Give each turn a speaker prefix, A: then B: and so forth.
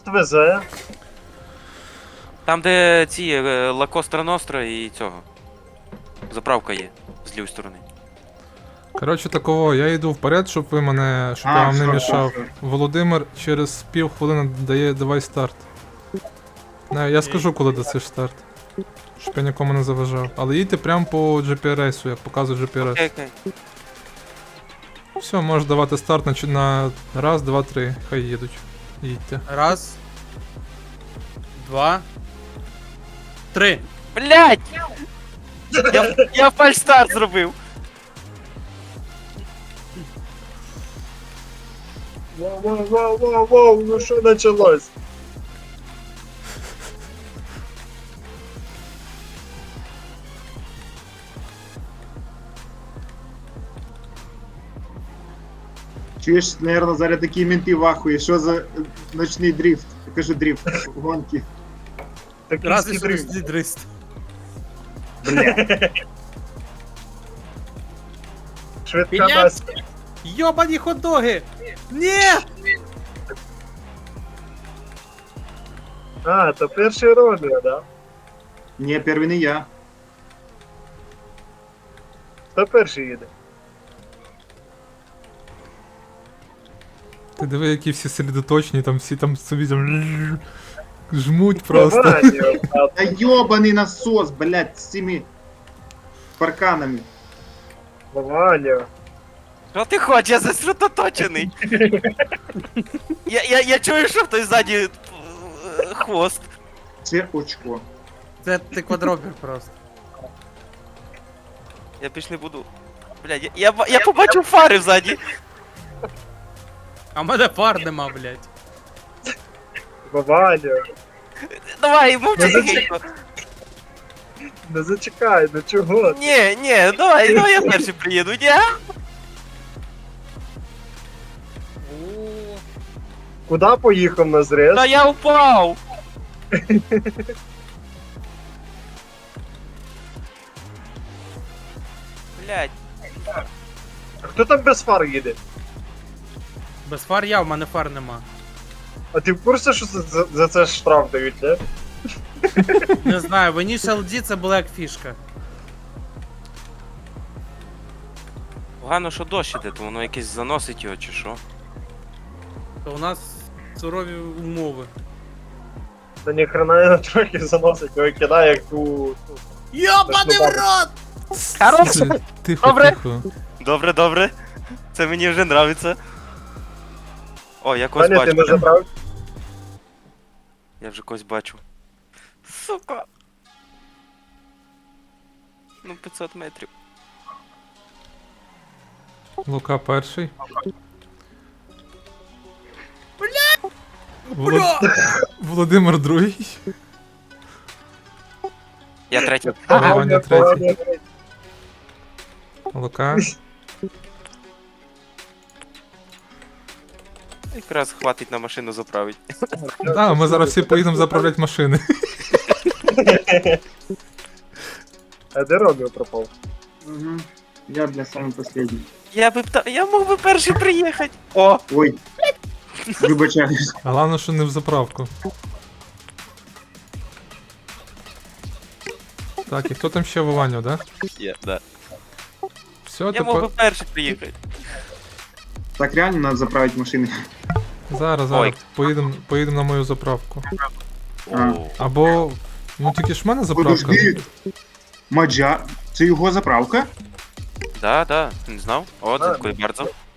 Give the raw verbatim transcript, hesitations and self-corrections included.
A: везе?
B: Там, де ці е, Ла Костра Ностра і цього. Заправка є з лівої сторони.
C: Коротше такого, я йду вперед, щоб ви мене, щоб
D: А,
C: я вам не
D: все,
C: мішав.
D: все, все.
C: Володимир через пів хвилини дає давай старт. Не, я скажу, коли дасиш старт. Щоб я нікому не заважав. Але їдьте прямо по джі пі ар ес, як показує джі пі ар ес.
B: Окей, окей.
C: Все, можеш давати старт на, чи- на раз, два, три. Хай їдуть. Їдьте.
E: Раз. Два. Три.
B: Блять! Я, я фальстарт зробив.
A: Воу, воу, воу, воу, воу, ну що началось?
D: Чуєш, наверное, зараз такі менти в ахуї, що за е, ночний дрифт? Я кажу дрифт, гонки.
A: Такий
E: Раз і
A: скідрив.
E: шістдесят.
D: Бля.
A: Швидка
E: Білет?
A: дасть.
E: Йобані хот-доги! Ні!
A: А, то перший Ромео, да?
D: Ні, перший не я.
A: Хто перший їде?
C: Ти диви, які всі сосредоточені, там всі там собі там жмуть просто.
A: Ваня, а
D: Та йобаний насос, блядь, з цими парканами.
A: Ваня.
B: Що ти хочеш? Я зосередоточений. я, я, я чую, що хтось ззаді е, хвост.
D: Це очко.
E: Це ти квадробір просто.
B: Я більш не буду. Блядь, я, я, ба- я побачив фари ззаді.
E: А в мене фар нема, блядь.
A: Ваня.
B: Давай, мовчи
A: Ну,
B: тихенько.
A: Не зачекай, ну чого?
B: Ні, ні, давай, давай я перший приїду, ні?
E: О,
A: Куди поїхав на зрез?
B: Та я упав. Блядь,
A: А хто там без фар їде?
E: без фар я, в мене фар нема.
A: А ти в курсі, що за, за, за це штраф дають, не?
E: Не знаю, в Initial D це була як фішка.
B: погано, що дощ іде, то воно якесь заносить його чи що.
E: То у нас сурові умови.
A: Та ніхрена його трохи заносить, його кидає як ту... ту.
E: Йобаний в рот!
B: Хорош!
C: Тихо,
B: Добре.
C: тихо.
B: Добре, добре. Це мені вже нравиться. О, я когось
A: Ваня, ти
B: бачу.
A: не забрав?
B: Я вже когось бачу. Сука. Ну, п'ятсот метрів.
C: Лука перший.
E: Бля!
C: Волод... Володимир другий.
B: Я третій.
C: Ваня
A: Ваня,
C: третій.
A: Ваня.
C: Лука.
B: Якраз хватить на машину заправити.
C: Да, ми зараз всі поїдемо заправляти машини.
A: А де Ромео пропав?
D: Угу. Я, бля, самый последний.
B: Я би пта... я мог би перший приїхати. О!
D: Ой. Вибачаюсь.
C: А головне, що не в заправку. Так, і хто там ще Вованю, да?
B: Я, да.
C: Все,
B: Я мог би
C: тепер...
B: перший приїхати.
D: Так реально надо заправить машины.
C: Зараз,
B: Ой.
C: зараз. Поїдемо поїдем на мою заправку.
D: А.
B: О.
C: Або... Ну тільки ж в мене заправка.
D: Подожди. Маджа. Це його заправка?
B: Да, да, ти не знав? О,
A: А,
B: дякую bardzo.